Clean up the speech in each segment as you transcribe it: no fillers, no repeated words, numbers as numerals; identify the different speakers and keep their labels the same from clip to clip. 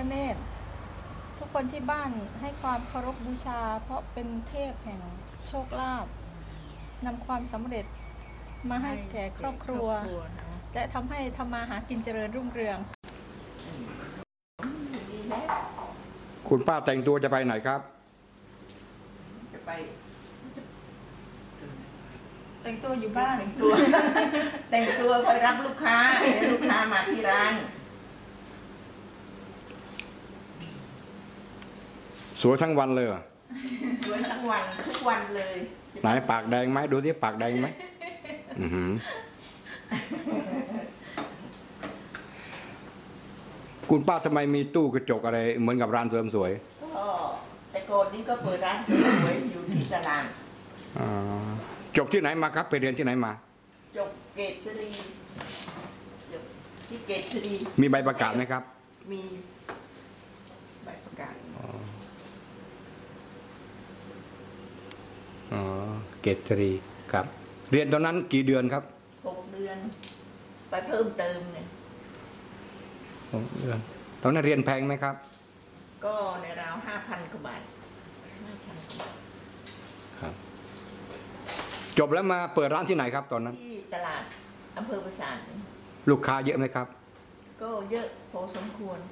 Speaker 1: เนศทุกคนที่บ้านให้ความเคารพบูชาเพราะเป็นเทพแห่งโชคลาภนำความสำเร็จมาให้แก่ครอบครัวและทำให้ทำมาหากินเจริญรุ่งเรือง
Speaker 2: คุณป้าแต่งตัวจะไปไหนครับ
Speaker 3: จะไป
Speaker 1: แต่งตัวอยู่บ้าน
Speaker 3: แต่งตัวคอยรับลูกค้าเดี๋ยวลูกค้ามาที่ร้าน
Speaker 2: สวยทั้งวันเลย
Speaker 3: สวยทั้งวันทุกวันเลย
Speaker 2: ไหนปากแดงไหมดูที่ปากแดงไหมคุณป้าทำไมมีตู้กระจกอะไรเหมือนกับร้านเสริมสวย
Speaker 3: ก็แต่ก่อนนี้ก็เปิดร้านเสริมสวยอยู่ที่ตลาด
Speaker 2: จบที่ไหนมาครับไปเรียนที่ไหนมา
Speaker 3: จบเกษรีจบที่เกษรี
Speaker 2: มีใบประกาศไหมครับ
Speaker 3: มีใบประกาศ
Speaker 2: เกษรีครับเรียนตอนนั้นกี่เดือนครับ
Speaker 3: 6 เดือนไปเพิ่มเติมเนี่ย
Speaker 2: 6 เดือนตอนนั้นเรียนแพงไหมครับ
Speaker 3: ก็ในราว 5,000 กว่าบาท
Speaker 2: ครับจบแล้วมาเปิดร้านที่ไหนครับตอนนั้น
Speaker 3: ที่ตลาดอำเภอปราสาท
Speaker 2: ลูกค้าเยอะไหมครับ
Speaker 3: ก็เยอะพอสมควร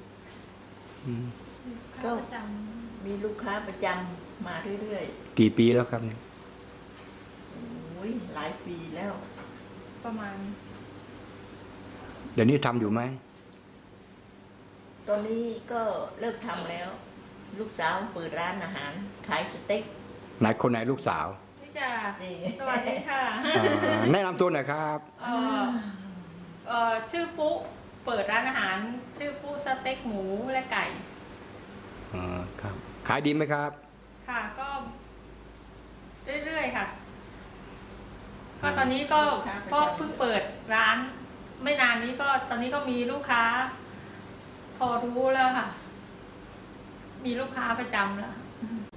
Speaker 3: ก็มีลูกค้าประจำมาเรื่อย
Speaker 2: ๆกี่ปีแล้วครับเนี่ย
Speaker 3: โอ้ยหลายปีแล้ว
Speaker 1: ประมาณ
Speaker 2: เดี๋ยวนี้ทำอยู่ไหม
Speaker 3: ตอนนี้ก็เลิกทำแล้วลูกสาวเปิดร้านอาหารขายสเต็ก
Speaker 2: ไหนคนไหนลูกสาว
Speaker 1: นี่จ้ะสวัสดีค่ะ
Speaker 2: แนะนำตัวหน่อยครับ
Speaker 1: ชื่อปุ๊เปิดร้านอาหารชื่อปุ๊สเต็กหมูและไก่
Speaker 2: ครับขายดีไหมครับ
Speaker 1: ค่ะก็เรื่อยๆค่ะก็ตอนนี้ก็เพิ่งเปิดร้านไม่นานนี้ก็ตอนนี้ก็มีลูกค้าพอรู้แล้วค่ะมีลูกค้าประจำแล้ว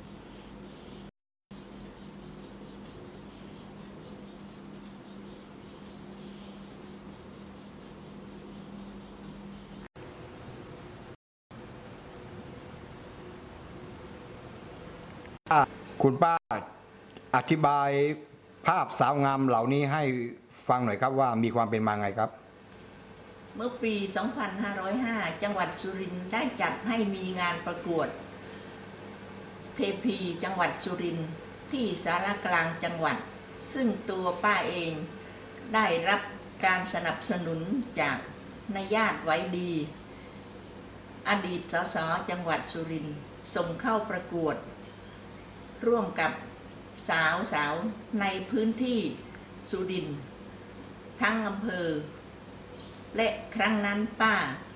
Speaker 2: คุณป้าอธิบายภาพสาวงามเหล่านี้ให้ฟังหน่อยครับว่ามีความเป็นมาไงครับ
Speaker 3: เมื่อปี 2505 จังหวัดสุรินทร์ได้จัดให้มีงานประกวดเทพีจังหวัดสุรินทร์ที่ศาลากลางจังหวัดซึ่งตัวป้าเองได้รับการสนับสนุนจากนายญาติไว้ดีอดีตสสจังหวัดสุรินทร์ส่งเข้าประกวดร่วมกับสาวในพื้นที่สุรินทร์ทั้งอำเภอและครั้งนั้นป้า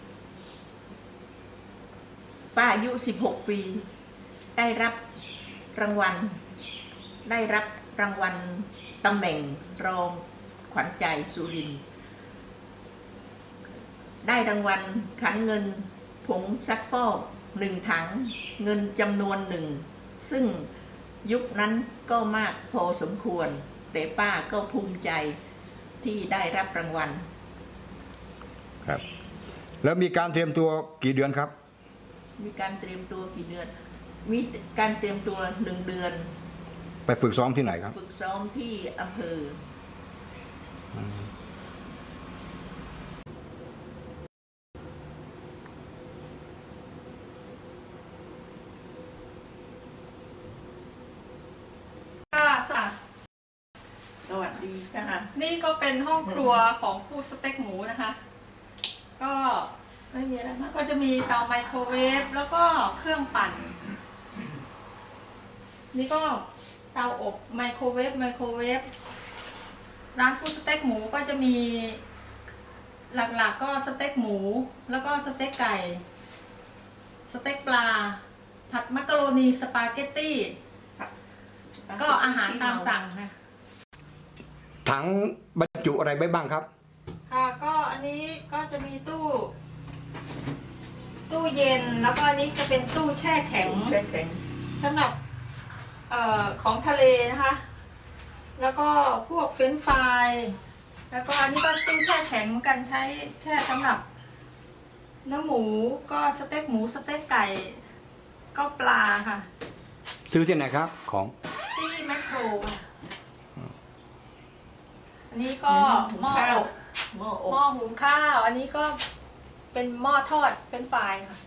Speaker 3: อายุ16 ปีได้รับรางวัลตำแหน่งรองขวัญใจสุรินทร์ได้รางวัลขันเงินผงซักฟอก1 ถังเงินจำนวน1ซึ่งยุคนั้นก็มากพอสมควรแต่ป้าก็ภูมิใจที่ได้รับรางวัล
Speaker 2: ครับแล้วมีการเตรียมตัวกี่เดือนครับ
Speaker 3: มีการเตรียมตัวกี่เดือนมีการเตรียมตัว1 เดือน
Speaker 2: ไปฝึกซ้อมที่ไหนครับ
Speaker 3: ฝึกซ้อมที่อำเภอสวัสดีค่ะ
Speaker 1: นี่ก็เป็นห้องครัวของผู้สเต็กหมูนะคะก็ไม่มีอะไรมากก็จะมีเตาไมโครเวฟแล้วก็เครื่องปั่นนี่ก็เตาอบไมโครเวฟร้านผู้สเต็กหมูก็จะมีหลักๆก็สเต็กหมูแล้วก็สเต็กไก่สเต็กปลาผัดมักกะโรนีสปาเกตตี้ก็อาหารตามสั่งค่ะ
Speaker 2: ถังบรรจุอะไรไว้บ้างครับ
Speaker 1: ค่ะก็อันนี้ก็จะมีตู้เย็นแล้วก็อันนี้จะเป็นตู้แช่แข็งสำหรับของทะเลนะคะแล้วก็พวกเฟรนช์ฟรายแล้วก็อันนี้ก็ตู้แช่แข็งกันใช้แช่สำหรับเนื้อหมูก็สเต็กหมูสเต็กไก่ก็ปลาค่ะ
Speaker 2: ซื้อที่ไหนครับของ
Speaker 1: ที่แมคโครค่ะอันนี้ก็หม้ออบ
Speaker 3: หม้ออ
Speaker 1: หม้อบ หุงข้าว อันนี้ก็เป็นหม้อทอดเป็นไฟรายค่ะ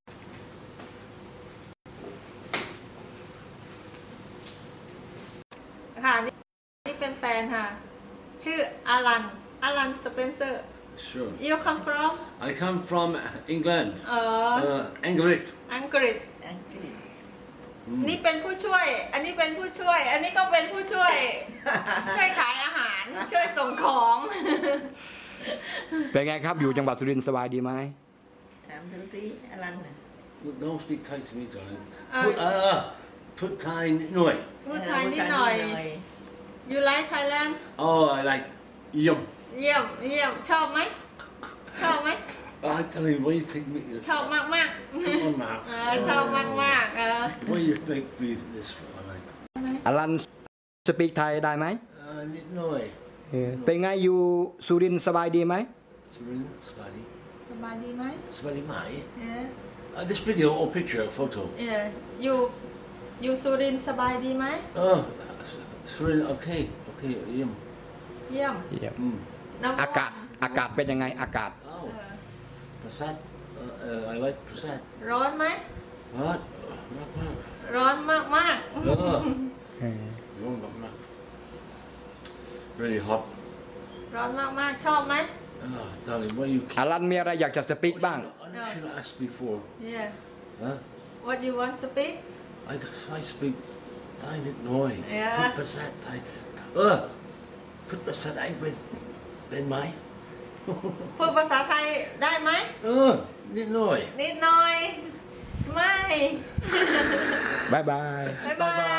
Speaker 1: ค่ะนี่เป็นแฟนค่ะ ชื่ออารันสเปนเซอร์
Speaker 4: Sure.
Speaker 1: you come from
Speaker 4: I come from England.
Speaker 1: อั
Speaker 4: England.
Speaker 1: งกฤษ
Speaker 3: อังกฤษ
Speaker 1: นี่เป็นผู้ช่วย อันนี้เป็นผู้ช่วย อันนี้ก็เป็นผู้ช่วย ช่วยขายอาหาร ช่วยส่งของ
Speaker 2: เป็นไงครับอยู่จังหวัดสุรินทร์สบายดีไหม
Speaker 3: ถามดูดิอลันน่ะ
Speaker 4: Don't speak Thai to me, darling.
Speaker 1: Uh,
Speaker 4: Put Thai noi.
Speaker 1: พูดไทยนิดหน่อย you like Thailand
Speaker 4: Oh, I like yum.
Speaker 1: เยี่ยมเยี่ยมชอบไหม ชอบไหม
Speaker 4: I tell you, why you take me?
Speaker 1: ชอบมากมาก
Speaker 4: Come on, man.
Speaker 1: ชอบมากมาก
Speaker 4: Why you make me this for? I like.
Speaker 2: อลันสปีกไทยได้ไหม
Speaker 4: Noi.
Speaker 2: เป็นไงอยู่สุรินทร์สบายดีไหม
Speaker 4: Sabrina, Spidey.
Speaker 1: สบายดีไหม
Speaker 4: Spidey Mai.
Speaker 1: เอ๊ะ
Speaker 4: This video or picture, photo.
Speaker 1: อยู่สุรินทร์สบายดีไหม
Speaker 4: Oh, Sabrina, okay. Okay, yum.
Speaker 1: เยี่ยม Number
Speaker 2: อากาศ
Speaker 1: one
Speaker 2: อากาศเป็นยังไงอากาศ
Speaker 4: Oh, Prasad. I like Prasad.
Speaker 1: ร้อนไหม
Speaker 4: What? Not bad.
Speaker 1: ร้อนมากมาก
Speaker 4: No, not bad. Really hot.
Speaker 1: ร้อนมากมากชอบไหม
Speaker 4: Oh, darling, what you
Speaker 2: อลันมีอะไรอยากจะสปีกบ้าง
Speaker 4: I should have asked before.
Speaker 1: yeah
Speaker 4: Huh?
Speaker 1: what you want to speak
Speaker 4: I speak Thai nit noi.
Speaker 1: Yeah.
Speaker 4: Put Prasad Thai. Put Prasad Thai bên máy.
Speaker 1: พูดภาษาไทยได้ไหม
Speaker 4: Nit noi.
Speaker 1: นิดหน่อย สมาย
Speaker 2: บ๊ายบาย
Speaker 1: บ๊ายบาย